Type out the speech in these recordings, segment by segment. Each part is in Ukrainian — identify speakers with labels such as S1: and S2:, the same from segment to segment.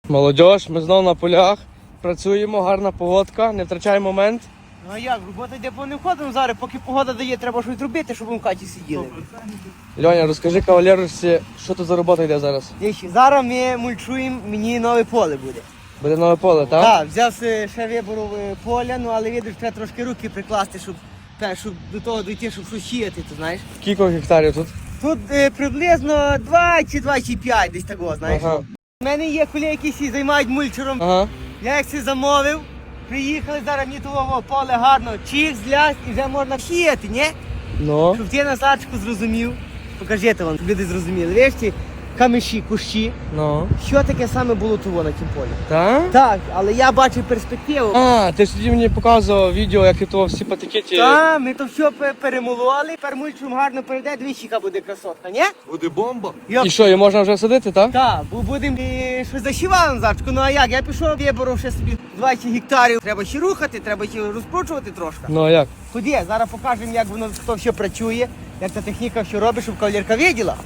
S1: Молодіж, ми знову на полях. Працюємо, гарна погодка, не втрачаємо момент.
S2: Ну а як, робота йде повним ходом зараз, поки погода дає, треба щось робити, щоб ми в хаті сиділи.
S1: Льоня, розкажи кавалерусі, що тут за робота йде зараз?
S2: Дивіться, зараз ми мульчуємо, мені нове поле буде.
S1: Буде нове поле, так?
S2: Так, взяв ще вибору поля, ну але видиш, треба трошки руки прикласти, щоб до того дійти, щоб щось сіяти, ти знаєш.
S1: Скільки гектарів тут?
S2: Тут приблизно 2 чи 2,5 десь такого, знаєш.
S1: Ага.
S2: У мене є колеги, які займають мульчером.
S1: Ага.
S2: Я їх замовив, приїхали, зараз мені того поле гарно, чих, злясть і вже можна сіяти, ні?
S1: Ну.
S2: Щоб ти Назарчику зрозумів, покажіть вам, щоб люди зрозуміли. Виш ті камиші, кущі,
S1: Ну.
S2: що таке саме було того на тім полі?
S1: Так?
S2: Так, але я бачив перспективу.
S1: А, ти ж тоді мені показував відео, як і то всі патикеті.
S2: Так, ми то все перемололи, тепер мульчум гарно перейде, двічі буде красотка, ні?
S3: Буде бомба.
S1: І що, її можна вже садити, так?
S2: Так, бо будемо щось засівали Назарчику, ну а як? Я пішов, виборов ще собі 20 гектарів. Треба ще рухати, треба ще розкручувати трошки.
S1: Ну а як?
S2: Ході, зараз покажемо, як воно то все працює, як ця техніка все робить, щоб кавалерка виділа.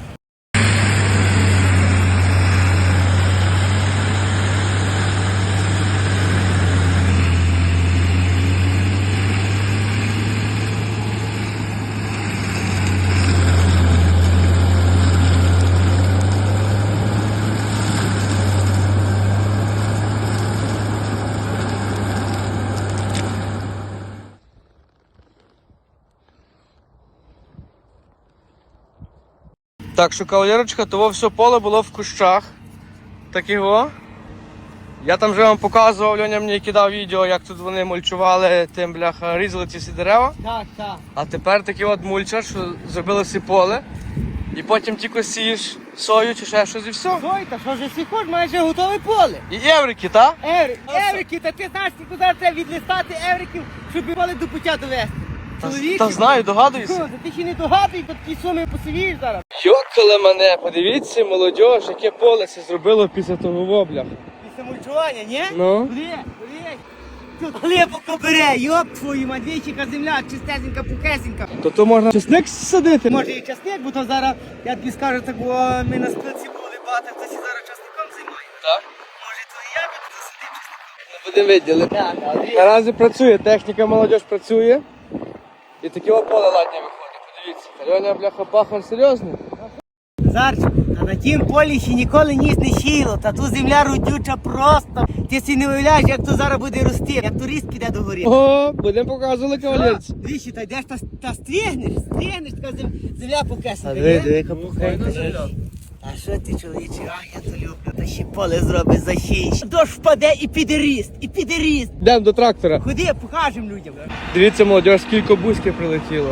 S1: Так що, кавалерочка, того все поле було в кущах. Так його. Я там вже вам показував, Льоня мені кидав відео, як тут вони мульчували, тим, бляха, різали ці всі дерева.
S2: Так, так.
S1: А тепер такий от мульчар, що зробили всі поле. І потім тільки сієш сою чи ще щось і все.
S2: Ой, та що ж всі хоч, майже готове поле.
S1: І еврики, так?
S2: Еврики, та ти знаєш, скільки зараз треба відлистати евриків, щоб поле до пуття довести. Чоловіче.
S1: Та знаю, догадуюся.
S2: Та ти ще не догадуй, бо такі суми посивієш зараз.
S1: Йокали мене, подивіться, молодіж, яке поле це зробило після того вобля.
S2: Після мульчування, ні?
S1: Ну?
S2: Куди? Тут глибоко бере, йоп твою мадвійчика, земля, чистесенька, пухесенька.
S1: То можна чесник садити?
S2: Може і часник, бо то зараз, я тобі скажу, так, бо ми на спилці були, багато хтось і зараз часником займає.
S1: Так.
S2: Може то і я би тут засадив часником.
S1: Не будемо виділи.
S2: Так, Андрій.
S1: Наразі працює, техніка молодіж працює. І таке поле ладні виходить, подивіться. Льоня, бляха, пахар серйозний.
S2: Зарчик, а на тім полі ще ніколи ніс не сіяло, та ту земля родюча просто. Ти собі не уявляєш, як то зараз буде рости, як турист піде до гори.
S1: О, будемо показувати кавалерці.
S2: Двічі, та йдеш та стригнеш, така земля покесена.
S1: яка пухенька.
S2: А що ти, чоловіче, я то люблю, та ще поле зробить засієш. Дощ впаде і піде ріст,
S1: Йдемо до трактора.
S2: Ходи, покажемо людям.
S1: Дивіться, молодіж, скільки бузьків прилетіло.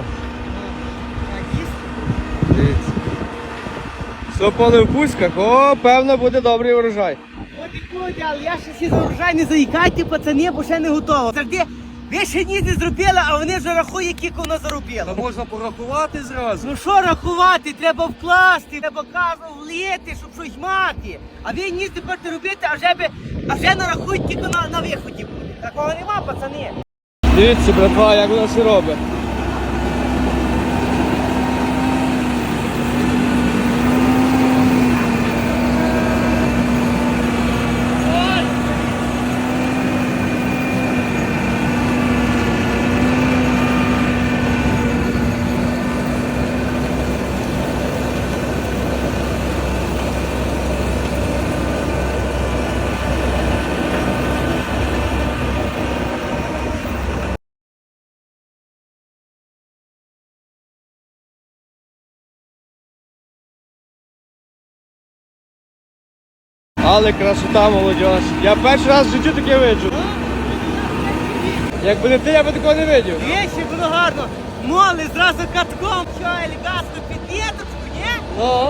S1: Дивіться. Все поле в бузьках, о, певно буде добрий урожай.
S2: От і буде, але я ще всі за урожай не заїкайте, пацани, бо ще не готово. Завжди, ви ще ніс не зробили, а вони вже рахують, скільки воно заробило.
S3: Та можна порахувати зразу.
S2: Ну що рахувати, треба вкласти, треба кажу влити, щоб щось мати. А ви ніс не хочете робити, а вже нарахують, тільки на виході буде. Такого нема, пацани.
S1: Дивіться, братва, як воно все робить. Але красота, молодіж. Я перший раз в житті таке виджу. Якби не ти, я би такого не видів.
S2: Вічі, було гарно. Моли зразу катком, що елегантно під діточку, ні?
S1: Ну.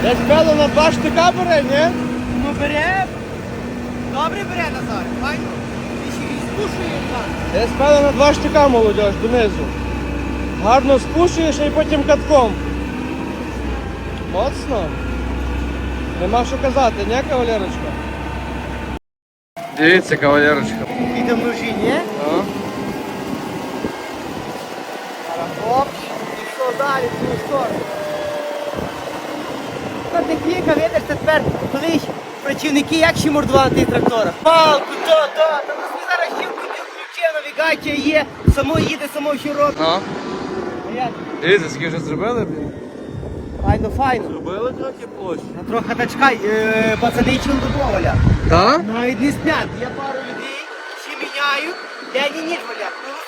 S1: Десь певно на 2 штика бере, ні?
S2: Ну бере. Добре бере Назар. Файно. Ти ще й спушує так.
S1: Десь певно на 2 штика, молодь, донизу. Гарно спушуєш і потім катком. Моцно. Нема що казати, не, кавалерочка? Дивіться, кавалерочка.
S2: Піде в ножі, ні? Оп, і що далі, в цю сторону. На техніка, видиш, тепер колись працівники як ще мордували на тих тракторах. Палку, то. Та ми зараз ще включив, навігація є, само їде, само все робить.
S1: Ну.
S2: А як?
S1: Дивіться, скільки вже зробили, блін.
S2: Файно.
S3: Робили трохи площу.
S2: Трохи дочкай, пацани чоловіково валя.
S1: Так?
S2: Навіть не сплять. Я пару людей, всі міняють, день і ніч валя.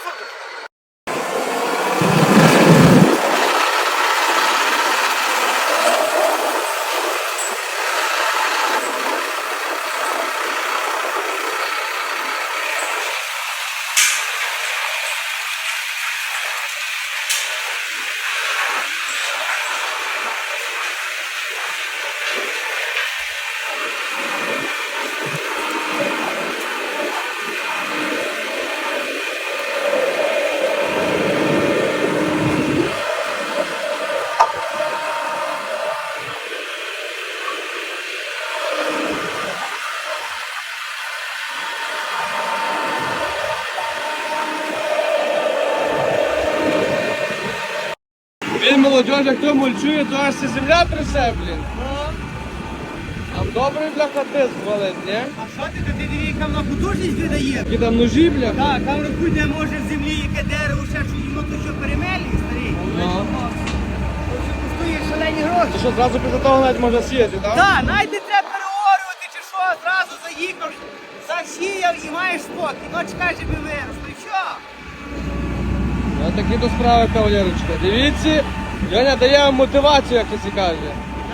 S1: Він молодь, як то мульчує, то аж ця земля трясе, блін. Там добрий, бляха, тиск валить, ні?
S2: А що ти диви, яка вона потужність видає?
S1: Які там ножі, бляха?
S2: Так, там рахуй, де може в землі яке дерево, ще що йому то що перемелі, старий.
S1: Ну.
S2: То що коштує шалені гроші.
S1: Ти що, зразу після того навіть можна сіяти, так?
S2: Так, навіть не треба переорювати чи що, зразу заїхав, засіяв і маєш спокій. Ну чекай, щоб вирос. Ну що?
S1: Ось такі то справи, кавалерочка. Дивіться, Льоня дає вам мотивацію, як це каже.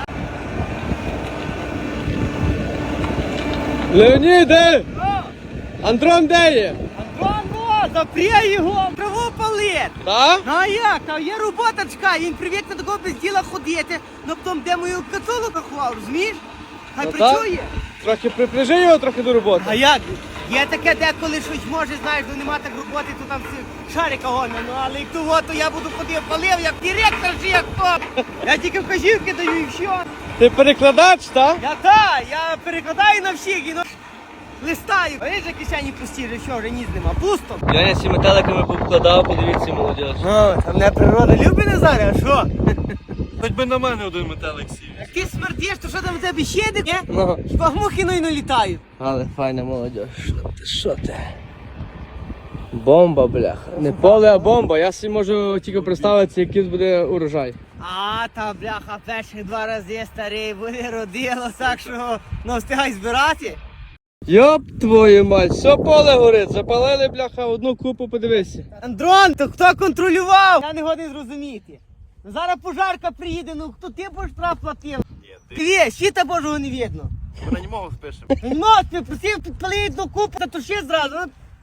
S1: Леоніде! Андрон де є?
S2: Антон, запряй його, траву палить.
S1: Так?
S2: Ну а як? Там є робота, чекай, він привик на такого без діла ходити, ну потім де мою кацулу рахував, розумієш? Хай
S1: Ну, так.
S2: працює.
S1: Трохи припряжи його трохи до роботи.
S2: А як? Є таке, деколи щось може, знаєш, ну нема так роботи, то там всі шарика гоня. Ну але як того, то я буду ходив, палив, як директор чи як хто. Я тільки вказівки даю і все.
S1: Ти перекладач, так?
S2: Я перекладаю на всіх і листаю. А ж кишені пусті, вже що, вже ніс нема, пусто.
S1: Льоня всі метеликами повкладав, подивіться, молодь.
S2: Ну, там не природа любить Назаря, а що?
S3: Хоч би на мене один метелик сів.
S2: Як ти смердиш, то що там в тебе ще йде, ні?
S1: Ну.
S2: Хіба мухи не літають?
S1: Але файна молодь. Що ти? Бомба, бляха. Не поле, а бомба. Я собі можу тільки представити, який буде урожай.
S2: А, та бляха, перших 2 рази старий буде родило, так що ну встигай збирати.
S1: Йоп твою мать, все поле горить, запалили, бляха, одну купу, подивися.
S2: Андрон, то хто контролював? Я не годин зрозуміти. Ну, зараз пожарка приїде, ну хто ти будеш штраф платив? Ти щита Божого не видно.
S3: Ми на нього спишемо.
S2: Не можеш, просив підпалити одну купу, та то ще зразу.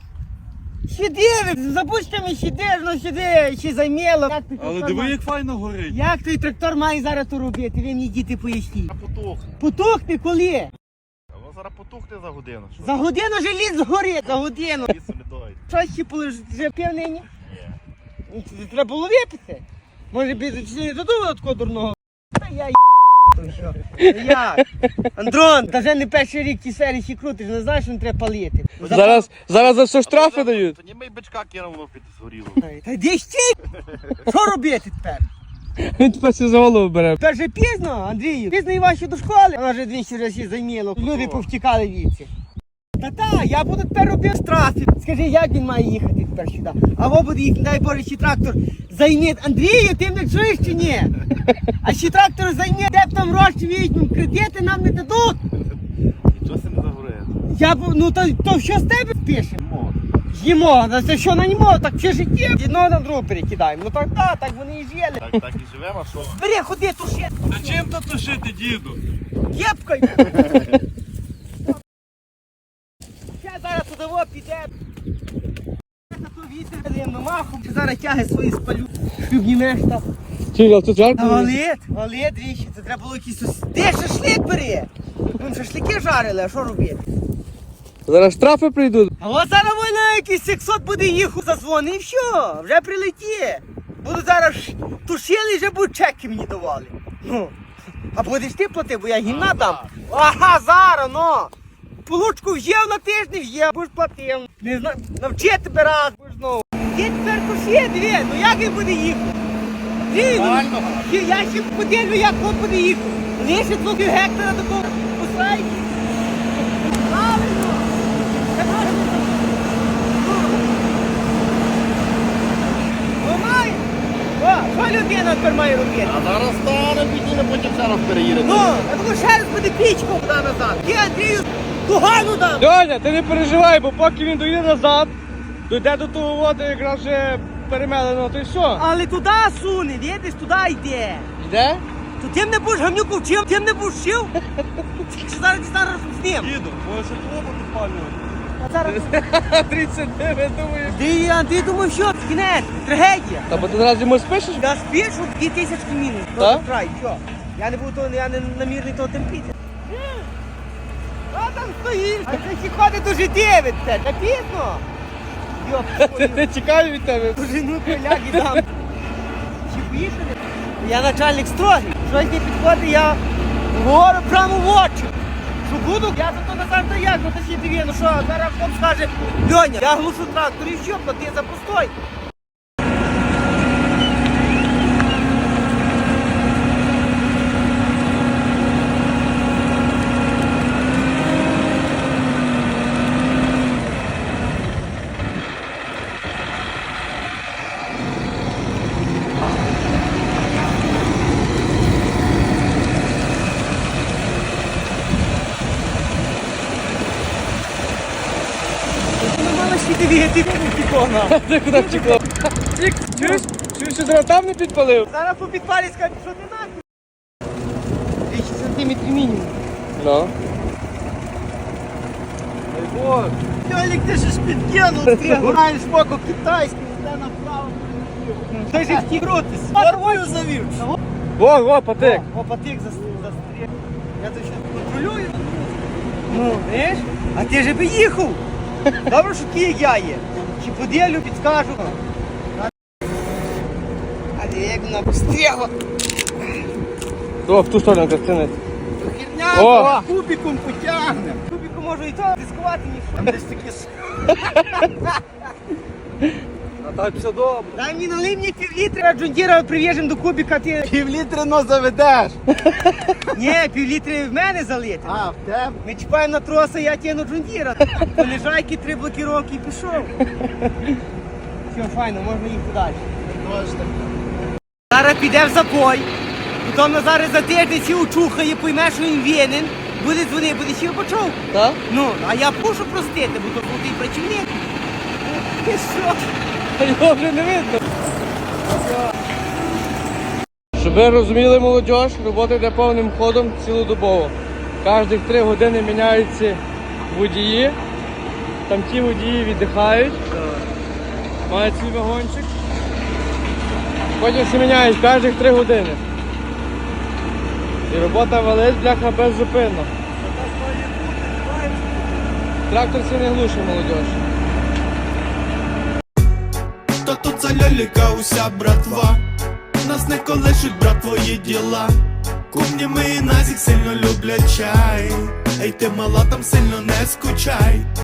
S2: Щиди, запустимо щиди, ну щиди, ще займіло.
S3: Але диви, як файно горить.
S2: Як той трактор має зараз то робити? Ви мені діти поясніть.
S3: А потухне.
S2: Потухне коли?
S3: А воно зараз потухне за годину. Що?
S2: За годину вже ліс згорить, за годину.
S3: Лісу не дойде.
S2: Що ще полежить? Вже пів нині?
S3: Ні.
S2: Треба було випити. Може б не додумав такого дурного. Та я то що? Як? Андрон, та вже не перший рік ті серії ще крутиш, не знаєш, що не треба палити.
S1: Зараз за все штрафи дають.
S3: Та ні, ми й бичка кинув, воно під згоріло.
S2: Та йди стій! Що робити тепер?
S1: Він тепер все за голову бере.
S2: Тепер же пізно, Андрію. Пізно і ваші до школи. Вона вже 200 разів займіло. Люди повтікали віці. Та, я буду тепер робити штрафи. Скажи, як він має їхати тепер сюди? Або буде їхати, дай Боже, ще трактор займе. Андрію, ти мене чуєш чи ні? А ще трактор займе, де б там гроші візьмемо, кредити нам не дадуть.
S3: Нічого се не загорає.
S2: Ну то що з тебе пише?
S3: Мо.
S2: Їмо, на це що на ньому, так все життя. Одного на другу перекидаємо. Ну так вони і жили.
S3: Так і живемо, а що?
S2: Бери, ходи, туши.
S3: Та чим то тушити, діду?
S2: Кепкою. Я зараз туди піде. Я то вітер даємо махом. Зараз тяги свої спалю. Обнімеш там.
S1: Чого, тут жарко?
S2: Валет, двічі, це треба було якийсь... Де шашлик бери? Вон шашлики жарили, а що робити?
S1: Зараз штрафи прийдуть.
S2: А от зараз вона якийсь 600 буде їхати, зазвони і все, вже прилеті. Буду зараз тушили, вже будуть чеки мені давали. Ну, а будеш ти плати, бо я гімна дам. Ага, зараз, ну. Получку в'їв на тиждень, в'їв, будеш платив. Не знаю, навчи тебе раз, будеш знову. Є тепер кушє, дві, ну як він буде їхати? Я ще поділю, як він буде їхати. Лише 2 гектара такого посадки. Правильно. Це правильно. Має. О, що людина тепер має робити?
S3: А зараз стане бідіна, потім ще раз переїде.
S2: Ну, а тому ще раз буде пічку туди назад. Я Андрію тугану дам.
S1: Льоня, ти не переживай, бо поки він доїде назад, дойде до того воду, якраз вже перемелено, то й все.
S2: Але туди суне, видиш, туди йде.
S1: Йде?
S2: То тим не будеш гамнюку вчив, тим не будеш вчив. Тільки зараз дістане разом з ним.
S3: Діду, може клубу підпалювати.
S2: А зараз...
S1: 39, думаєш?
S2: Ти думав, що? Кінець, трагедія.
S1: Та бо ти зараз йому спишеш?
S2: Я спішу 2000 мінус.
S1: Так?
S2: До краю, що? Я не буду того, я не намірний того терпіти. Що там стоїш? А це ще ходить до життєві, це, та пізно. Йоп,
S1: Не чекаю від тебе.
S2: Жину коляки дам. Чи поїхали? Я начальник строгий. Щось не підходить, я говорю прямо в очі. Що буду? Я за то назад та як, ну та ще диві, ну що, зараз хтось скаже, Льоня, я глушу трактор і що, плати за постой. Ну, мало ще диві, ти погнав.
S1: Ти куди втекло? Чуєш? Чуєш, що зараз там не підпалив?
S2: Зараз по підпалі скажуть, що ти нахід? 200 сантиметрів мінімум.
S1: Ну.
S2: Льолік, ти ж підкинув, ти граєш боку китайський, йде направо. Ти ж в ті крутись. Нормою завів.
S1: Во, патик.
S2: О, патик застріг. Я то ще контролюю. Ну, знаєш? А ти ж би їхав. Добре, що такі, як я є. Чи поділю, підскажу. А ти як вона пострігла.
S1: О, в ту сторону картинець.
S2: Херня,
S1: О!
S2: кубиком потягне. Кубиком можу і то дискувати ніщо. Там десь такі...
S3: А так все добре.
S2: Дай мені налий мені півлітра, Джундіра прив'яжем до кубика, ти...
S3: Півлітри но заведеш.
S2: Ні, півлітри в мене залити.
S3: А, в тебе?
S2: Ми чіпаємо на троса, я тягну Джундіра. Понижайки, 3 блокіровки і пішов. Все, файно, можна їхати далі.
S3: Точно.
S2: Зараз піде в запой, потім Назар за тиждень сі учухає, пойме, що він винен, буде дзвонити, буде сів почув.
S1: Так?
S2: Ну, а я мушу простити, бо то крутий працівник. Ти що?
S1: Його вже не видно. Щоб ви розуміли, молодь, робота йде повним ходом цілодобово. Кожних 3 години міняються водії. Там ті водії віддихають. Мають свій вагончик. Потім всі міняють кожних 3 години. І робота валить, бляха, беззупинно. Трактор це не глушить, молодь.
S4: Хто тут за ляліка уся братва? Нас не колишуть, брат, твої діла. Кумні ми і Назік сильно люблять чай. Ей, ти мала, там сильно не скучай.